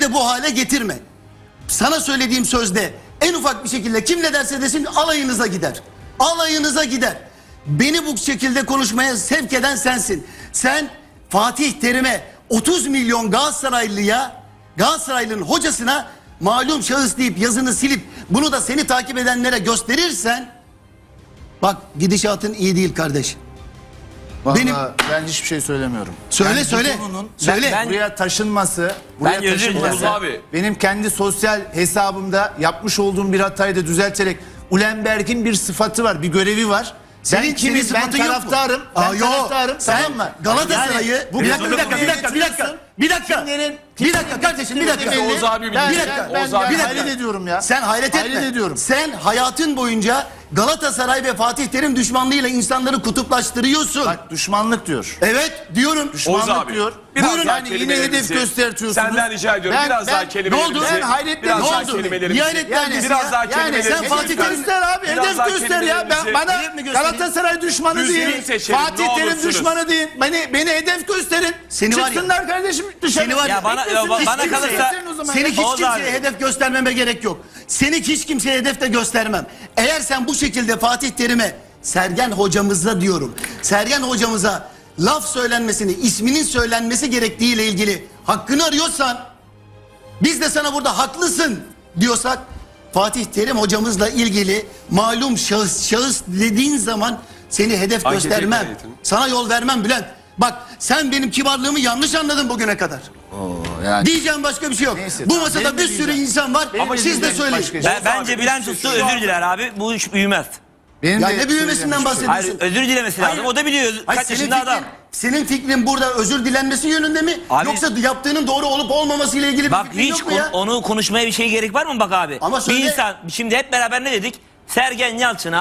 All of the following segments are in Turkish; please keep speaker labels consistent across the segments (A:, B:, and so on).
A: bu hale getirme. Sana söylediğim sözde en ufak bir şekilde kim ne derse desin alayınıza gider. Alayınıza gider. Beni bu şekilde konuşmaya sevk eden sensin. Sen Fatih Terim'e 30 milyon Galatasaraylı'nın hocasına malum şahıs deyip yazını silip bunu da seni takip edenlere gösterirsen bak gidişatın iyi değil kardeş.
B: Vallahi ben hiçbir şey söylemiyorum.
A: Söyle.
B: Ben buraya taşınması, benim kendi sosyal hesabımda yapmış olduğum bir hatayı da düzelterek Ulenberg'in bir sıfatı var, bir görevi var.
A: Senin
B: ben taraftarım. Ben taraftarım. Tamam mı?
A: Galatasaray'ı
B: Yani,
A: bir dakika kardeşim bir dakika.
C: Oğuz abi
B: Ben
A: Bir dakika.
B: hayret ediyorum ya.
A: Sen hayret etme.
B: Hayret ediyorum.
A: Sen hayatın boyunca Galatasaray ve Fatih Terim düşmanlığıyla insanları kutuplaştırıyorsun.
B: Bak düşmanlık diyor.
A: Evet diyorum.
B: Düşmanlık diyor.
C: Biraz
B: Buyurun
C: daha
B: yani yine
C: kelimelerinizi
B: hedef göstertiyorsunuz.
C: Senden rica ediyorum biraz daha kelimelerinizi.
A: Ne oldu?
B: Ben hayretlerim.
C: Biraz
B: Ne
C: daha
B: oldu?
C: kelimelerimizi.
A: Niye hayretlendisin
C: Biraz
A: ya?
C: daha
B: Yani
C: kelimelerimizi.
B: sen Fatih Terim göster abi.
C: Biraz
B: Hedef
C: daha
B: göster ya. Bana
A: Hedef mi göstereyim?
B: Galatasaray düşmanı
C: Düzgün
B: değil.
C: seçelim,
B: Fatih
C: ne
B: Terim
C: olursunuz.
B: düşmanı değil. Beni hedef gösterin.
A: Seni var ya-
B: Çıksınlar kardeşim dışarı.
A: Seni var ya-
D: Ya bana
A: Hiç
D: kalırsa
B: gösterin o zaman.
A: Seni hiç
D: Oğuz
A: kimseye
D: abi.
A: hedef göstermeme gerek yok. Seni hiç kimseye hedef de göstermem. Eğer sen bu şekilde Fatih Terim'e, Sergen hocamıza diyorum, Sergen hocamıza laf söylenmesini, isminin söylenmesi gerektiğiyle ilgili hakkını arıyorsan, biz de sana burada haklısın diyorsak, Fatih Terim hocamızla ilgili malum şahıs dediğin zaman seni hedef
C: Ankete
A: göstermem.
C: ekleyelim.
A: Sana yol vermem Bülent. Bak sen benim kibarlığımı yanlış anladın bugüne kadar.
B: Yani.
A: Diyeceğim başka bir şey yok.
B: Neyse,
A: Bu
B: tamam,
A: masada
B: benim de
A: bir sürü
B: diyeceğim.
A: insan var.
B: Benim de
A: Siz de
B: diyeceğim
A: söyleyin.
B: başka şey.
D: bence Bülent Usta özür diler abi. Bu iş büyümez.
B: Benim
A: Ya
B: de
A: ne büyümesinden
B: söyleyeceğim şey.
A: bahsediyorsun?
D: Hayır, özür dilemesi lazım.
A: Hayır.
D: O da biliyor.
A: Hayır,
D: Kaç yaşında adam.
A: Senin fikrin burada özür dilenmesi yönünde mi?
D: Abi-
A: Yoksa yaptığının doğru olup olmaması ile ilgili bir
D: Bak
A: fikrin
D: hiç
A: yok mu ya?
D: onu konuşmaya bir şey gerek var mı bak abi?
A: Ama söyle.
D: Bir insan şimdi hep beraber ne dedik? Sergen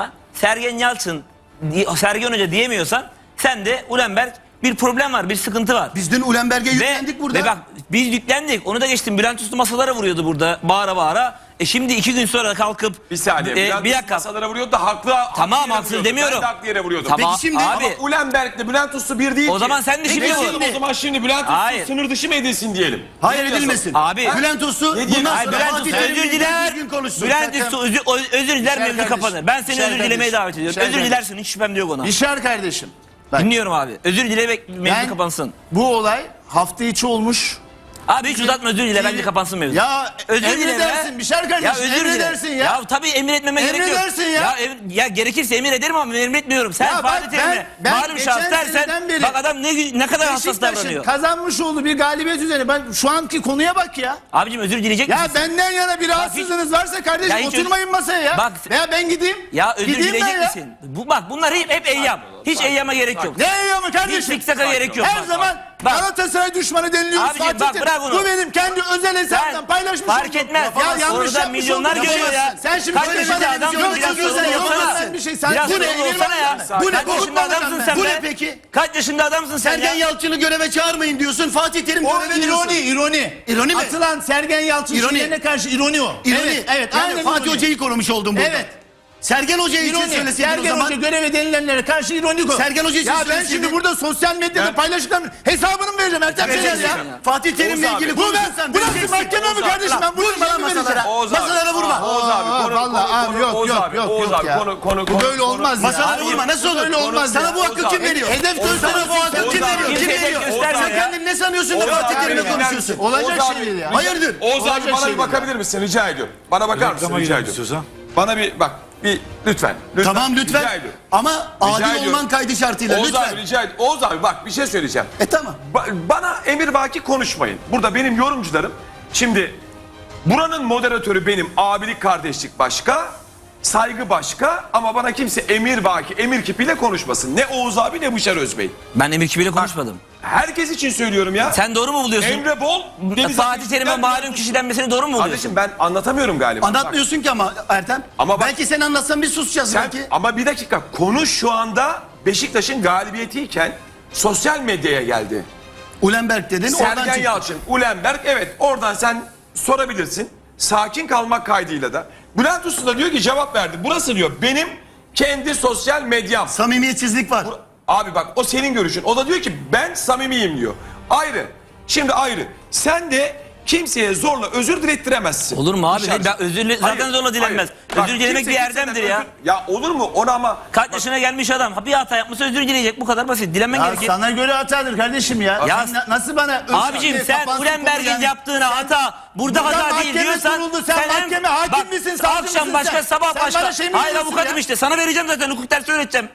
D: Hoca diyemiyorsan sen de Ulenberg bir problem var, bir sıkıntı var.
A: Biz dün Ulenberg'e yüklendik burada.
D: Ve bak biz yüklendik. Onu da geçtim. Bülent Usta masalara vuruyordu burada bağıra bağıra. Şimdi 2 gün sonra kalkıp
C: Bir saniye.
D: bir dakika.
C: Masalara vuruyordu da haklı.
D: Tamam,
C: yere
D: haksız
C: vuruyordu.
D: demiyorum.
C: Ben de haklı yere vuruyordum.
D: Tamam
A: Peki şimdi-
D: abi.
C: Ama Ulenberg'le Bülent Uslu bir değil
D: O
C: ki.
D: zaman sen de şimdi
C: Peki
D: vur.
C: o zaman şimdi Bülent Uslu
D: Hayır.
C: sınır dışı mı edilsin diyelim?
A: Hayır
C: Ne diyorsun?
A: edilmesin.
D: Abi-
A: Bülent Usu
C: Ne diyeyim?
A: bundan
D: Hayır,
A: sonra
D: Bülent
A: Fatih
D: Usta
A: Terim'le
D: özür diler.
A: düzgün konuşsun.
D: Bülent Usta özür diler, mevzu
B: kardeşim.
D: kapanır. Ben seni
B: Şer
D: özür dilemeye
B: kardeşim.
D: davet ediyorum.
B: Şer
D: Özür
B: kardeşim.
D: dilersin, hiç şüphem de yok ona.
B: Bişar kardeşim. Bak,
D: Dinliyorum abi. Özür dilemek mevzu
B: ben
D: kapansın.
B: bu olay hafta içi olmuş.
D: Abi hiç uzatma, özür dile, bence kapansın mevzu.
B: Ya
D: Özür dile
B: emredersin
D: be.
B: Bişar kardeşim.
D: Ya özür dile.
B: Emredersin ya.
D: Ya tabii emir etmeme gerek yok.
B: Emredersin ya.
D: Ya gerekirse emir ederim ama emretmiyorum. Sen
B: Ya bak,
D: Fatih Terim'e
B: ben
D: malum şahıs
B: geçen
D: dersen
B: seneden beri
D: bak adam ne kadar hassas
B: Beşiktaş'ın
D: davranıyor.
B: kazanmış olduğu bir galibiyet üzerine ben şu anki konuya bak ya.
D: Abicim özür dileyecek
B: Ya
D: misin?
B: benden yana bir rahatsızlığınız varsa kardeşim
D: Ya hiç
B: oturmayın masaya ya.
D: Bak-
B: Veya ben gideyim.
D: Ya özür
B: Gideyim ben
D: dileyecek
B: ya.
D: misin? Bak bunlar hep eyyam. Hiç eyyama gerek yok.
B: Ne yiyor mu kardeşim?
D: Hiç fiksaka gerek yok.
B: Her
D: Bak.
B: zaman
D: Bak.
B: Galatasaray düşmanı deniliyoruz.
D: Abicim,
B: Fatih
D: bak,
B: Terim.
D: bırak bunu.
B: Bu benim kendi özel hesabımdan
D: Sen
B: paylaşmış
D: fark
B: olduğum.
D: etmez.
B: Ya yanlış
D: Orada
B: yapmış
D: milyonlar
B: oldum.
D: görüyor ya.
B: Sen şimdi
D: Kaç
B: böyle
D: yaşında
B: bana
D: adamsın,
B: televizyon
D: biraz
B: çekiyorsun,
D: sorumlu olsana
B: yapamazsın
D: ya.
B: bir şey. Sen
D: Biraz
B: bu ne?
D: sorumlu olsana ya.
A: Bu ne?
D: Kaç yaşında adamsın sen
A: Bu
D: be?
A: ne peki?
D: Kaç yaşında adamsın sen
A: Sergen
D: ya?
A: Yalçın'ı göreve çağırmayın diyorsun. Fatih Terim
B: O
A: göreve diyorsun.
B: ironi.
A: İroni mi?
B: Atılan Sergen Yalçın
A: İroni.
B: şeylerine karşı ironi o.
A: İroni.
B: Evet.
A: Yani
B: Aynen
A: Fatih
B: ironi.
A: Hoca'yı korumuş oldum burada.
B: Evet.
A: Sergen Hoca için
B: İroni.
A: söyleseydin o
B: Sergen
A: zaman.
B: Hoca göreve denilenlere karşı ironik o.
A: Sergen Hoca için
B: Ya ben
A: söyleseydin.
B: şimdi burada sosyal medyada paylaştıklarımın hesabını mı vereceğim Ertem Şener
A: Vereceksin.
B: ya?
A: Fatih Terim'le
C: Oğuz abi,
A: ilgili
B: Bu
A: konuşursan
B: bu nasıl
A: vereceksin.
B: mahkeme mi kardeşim? Ben bunu
A: Vurma lan masalara.
C: Oğuz abi.
A: Masalara vurma.
C: Oğuz abi.
B: Yok ya. Bu böyle olmaz ya.
A: Masalara vurma. Nasıl olur?
B: Böyle olmaz
A: Sana
B: ya.
A: bu hakkı kim veriyor?
B: Hedef
A: Sana
B: göstermek
A: bu hakkı kim veriyor? Kim
D: Kimse
A: veriyor?
D: göstermiyor
A: Sen
D: ya.
A: kendini ne sanıyorsun da
C: Oğuz
A: Fatih
C: abi,
A: Terim'le
C: dinler
A: konuşuyorsun?
C: misin?
B: Olacak
C: Oğuz
B: şey
C: abi,
B: değil ya.
A: Hayırdır?
C: Oğuz abi
B: Olacak
C: bana
B: şey
C: bir bakabilir misin? Rica ediyorum. Bana bakar mısın?
E: Reklama
C: Rica
E: gidelim
C: ediyorum.
E: istiyorsan.
C: Bana bir bak. Bir lütfen.
A: Tamam
C: Rica
A: lütfen.
C: ediyorum.
A: Ama adil
C: ediyorum.
A: olman kaydı şartıyla
C: Oğuz
A: lütfen.
C: abi rica ediyorum. Oğuz abi bak bir şey söyleyeceğim.
A: Tamam.
C: Bana emir-vaki konuşmayın. Burada benim yorumcularım. Şimdi buranın moderatörü benim. Abilik kardeşlik başka. Saygı başka. Ama bana kimse emir-vaki, emir kipiyle konuşmasın. Ne Oğuz abi ne Bişar Özbey.
D: Ben Emir Kibi'yle konuşmadım.
C: Herkes için söylüyorum ya.
D: Sen doğru mu buluyorsun?
C: Emre Bol. Deniz
D: Fatih
C: Ateş'ten
D: Terim'e malum kişi denmesini doğru mu buluyorsun?
C: Kardeşim ben anlatamıyorum galiba.
A: Anlatmıyorsun ki ama Ertem.
C: Ama bak-
A: belki sen anlatsan biz susacağız
C: Sen,
A: belki.
C: ama bir dakika konu şu anda Beşiktaş'ın galibiyetiyken sosyal medyaya geldi.
A: Ulenberg dedin oradan
C: Sergen
A: çıktı.
C: Yalçın, Ulenberg evet oradan sen sorabilirsin. Sakin kalmak kaydıyla da. Bülent Usta da diyor ki cevap verdi. Burası diyor benim kendi sosyal medyam.
A: Samimiyetsizlik var.
C: Abi bak o senin görüşün. O da diyor ki ben samimiyim diyor. Ayrı. Şimdi ayrı. Sen de kimseye zorla özür dilettiremezsin.
D: Olur mu abi?
C: Dışarı-
D: Ben zaten
C: Hayır,
D: zorla dilenmez.
C: hayır. Bak,
D: Özür dilemek
C: kimse
D: bir
C: kimseden
D: erdemdir ya.
C: Ya olur mu? Ona ama
D: Kaç yaşına gelmiş adam bir hata yapmışsa özür dileyecek. Bu kadar basit. Dilenmen
B: Ya
D: gerekir.
B: sana göre hatadır kardeşim ya.
D: Ya-
B: Sen nasıl bana
D: Abicim sen Ulenberg'in yaptığına hata burada hata değil
B: mahkeme
D: diyorsan
B: kuruldu, sen
D: hem-
B: mahkeme hakim
D: bak,
B: misin, savcı
D: akşam
B: mısın
D: başka
B: sen?
D: sabah
B: Sen
D: başka.
B: bana şey mi
D: Hayır
B: diyorsun
D: avukatım
B: ya?
D: işte sana vereceğim zaten hukuk dersi öğreteceğim.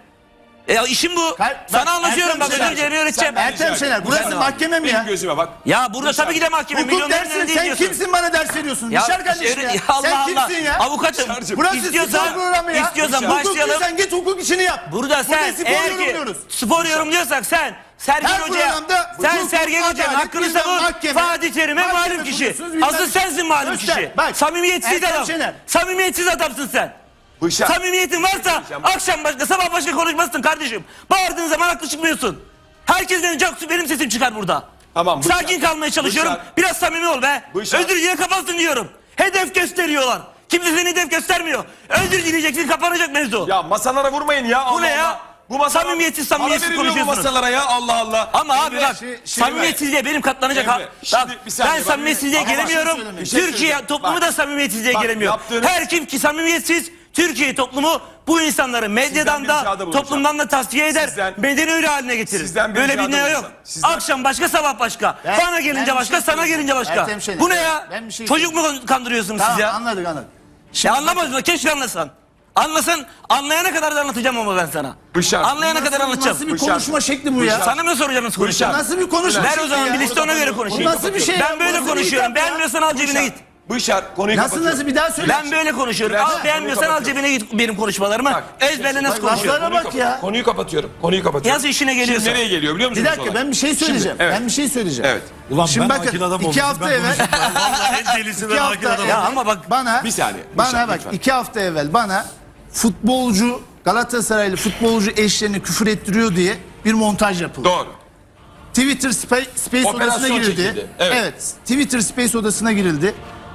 D: İşim bu. Sana anlatıyorum bak özür dilemeyi öğreteceğim.
B: Ertem Şener burası mahkeme mi ya?
C: benim gözüme bak.
D: Ya burada tabii ki de mahkeme.
B: Hukuk
D: Milyonların
B: dersi
D: önünde
B: sen
D: diyorsun.
B: kimsin bana ders veriyorsun? Dışarı kardeşim ya.
D: Allah
B: Sen
D: Allah.
B: kimsin ya?
D: Avukatım.
B: Burası
D: İstiyorsan-
B: spor programı ya.
D: istiyorsan
B: Hukuk
D: başlayalım.
B: sen git hukuk işini yap.
D: Burada sen
B: spor
D: eğer ki
B: yorumluyoruz.
D: spor yorumluyorsak sen Sergen
B: Her
D: Hoca'ya
B: programda
D: sen
B: hukuk,
D: Sergen Hoca'nın
B: adalet,
D: hakkını
B: bilmem
D: savun.
B: mahkeme,
D: Fatih Terim'e
B: mahkeme
D: malum kişi.
B: kuruyorsunuz, bilmem
D: Asıl
B: ne.
D: sensin malum
B: Göster,
D: kişi.
B: bak.
D: Samimiyetsiz
B: Ertem
D: adam.
B: Şener.
D: Samimiyetsiz adamsın sen.
C: Bışar.
D: Samimiyetin varsa akşam başka sabah başka konuşmazsın kardeşim. Bağırdığın zaman haklı çıkmıyorsun. Herkesten çok benim sesim çıkar burada.
C: Tamam, Bışar.
D: Sakin kalmaya çalışıyorum.
C: Bışar.
D: Biraz samimi ol be.
C: Bışar.
D: Özür dile kapansın diyorum. Hedef gösteriyorlar. Kimse seni hedef göstermiyor. Özür dileyeceksin kapanacak mevzu.
C: Ya masalara vurmayın ya.
D: Bu ne ya?
C: masalara-
D: Samimiyetsiz
C: Para veriliyor bu
D: konuşuyorsunuz.
C: masalara ya Allah Allah.
D: Ama abi
C: Emre,
D: bak
C: şimdi
D: samimiyetsizliğe benim katlanacak
C: Emre,
D: ha.
C: şimdi
D: Bak,
C: bir saniye
D: ben
C: bak.
D: samimiyetsizliğe
C: Ama bak,
D: gelemiyorum.
C: bir şey
D: Türkiye
C: söyleyeceğim.
D: toplumu
C: Bak.
D: da samimiyetsizliğe
C: Bak,
D: gelemiyor.
C: yaptığınız-
D: Her kim ki samimiyetsiz Türkiye toplumu bu insanları medyadan
C: bir
D: da
C: ricada bulunacağım.
D: toplumdan da tasfiye eder.
C: Sizden-
D: Bedeni öyle haline getirir.
C: Sizden bir
D: Böyle
C: ricada
D: bir ne yok.
C: bulunacağım. Sizden-
D: Akşam başka sabah başka.
B: Ben-
D: Bana gelince
B: ben bir
D: başka
B: şey
D: sana
B: söyleyeyim.
D: gelince başka.
B: Ertem Şener,
D: Bu ne ya?
B: ben bir şey
D: Çocuk mu kandırıyorsunuz siz ya?
B: Anladık.
D: Ya anlamadın keşke anlasan. Anlasan anlayana kadar da anlatacağım ama ben sana.
C: Bışar.
D: Anlayana kadar anlatacağım.
B: Nasıl bir
C: Bışar.
B: konuşma şekli bu ya?
C: Bışar.
D: Sana mı soracağım nasıl konuşacağım?
B: Nasıl bir konuşma
D: Ver
B: şekli
D: o zaman
B: ya?
D: bir liste ona göre konuşayım.
B: Bu nasıl bir şey ya?
D: Ben böyle
B: Nasıl bir
D: konuşuyorum.
B: hitap ya?
D: Beğenmiyorsan al cebine git.
C: Bışar konuyu
B: Nasıl
C: kapatıyorum.
B: bir daha söyle.
D: Ben böyle konuşuyorum.
C: Bırak,
D: Al beğenmiyorsan al
C: kapatıyorum.
D: cebine git benim konuşmalarımı.
C: Bak,
D: Ezberle nasıl konuşuyorum.
B: laflara bak ya.
C: Konuyu kapatıyorum. Konuyu kapatıyorum.
D: Yaz işine geliyorsa.
C: Şimdi nereye geliyor biliyor
B: Bir
C: musunuz?
B: dakika
C: olay?
B: ben bir şey söyleyeceğim.
C: evet.
B: Ben bir şey söyleyeceğim.
C: Evet.
E: Ulan
B: Şimdi
E: ben
B: bakın
E: akil adam
B: 2
E: oldum.
B: hafta
E: Ben
B: evvel
E: Vallahi en delisi
B: 2
E: ben akil
B: hafta
E: adam
D: Ya
E: oldum.
D: ama bak
B: bana
C: Bir saniye,
B: Bana
C: Bışar,
B: bak
C: lütfen.
B: 2 hafta evvel bana futbolcu Galatasaraylı futbolcu eşlerini küfür ettiriyor diye bir montaj yapıldı.
C: Doğru.
B: Twitter Space
C: Operasyon
B: odasına girildi.
C: çekildi, evet.
B: Twitter Space odasına girildi.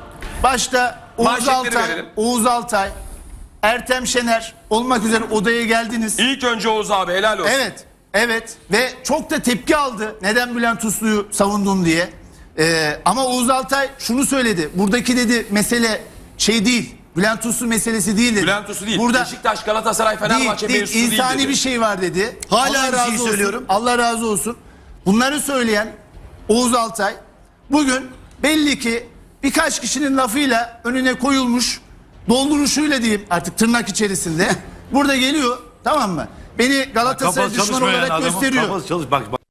B: Başta
C: Manşetleri
B: Oğuz
C: verelim.
B: Altay, Ertem Şener olmak üzere odaya geldiniz.
C: İlk önce Oğuz abi helal olsun.
B: Evet ve çok da tepki aldı. Neden Bülent Uslu'yu savundun diye. Ama Oğuz Altay şunu söyledi. Buradaki dedi mesele şey değil. Bülent Uslu meselesi değil dedi.
C: Bülent Uslu değil.
B: Burada
C: Beşiktaş, Galatasaray, Fenerbahçe
B: değil,
C: mevzusu değil
B: insani
C: dedi.
B: bir şey var dedi.
A: Hala
B: Allah
A: aynı
B: razı
A: şeyi
B: olsun.
A: söylüyorum.
B: Allah razı olsun. Bunları söyleyen Oğuz Altay bugün belli ki birkaç kişinin lafıyla önüne koyulmuş dolduruşuyla diyeyim artık tırnak içerisinde. Burada geliyor tamam mı? Beni Galatasaray
E: Kafası
B: düşmanı
E: çalışmayan
B: olarak
E: adamın
B: gösteriyor.
E: kafası çalış. Bak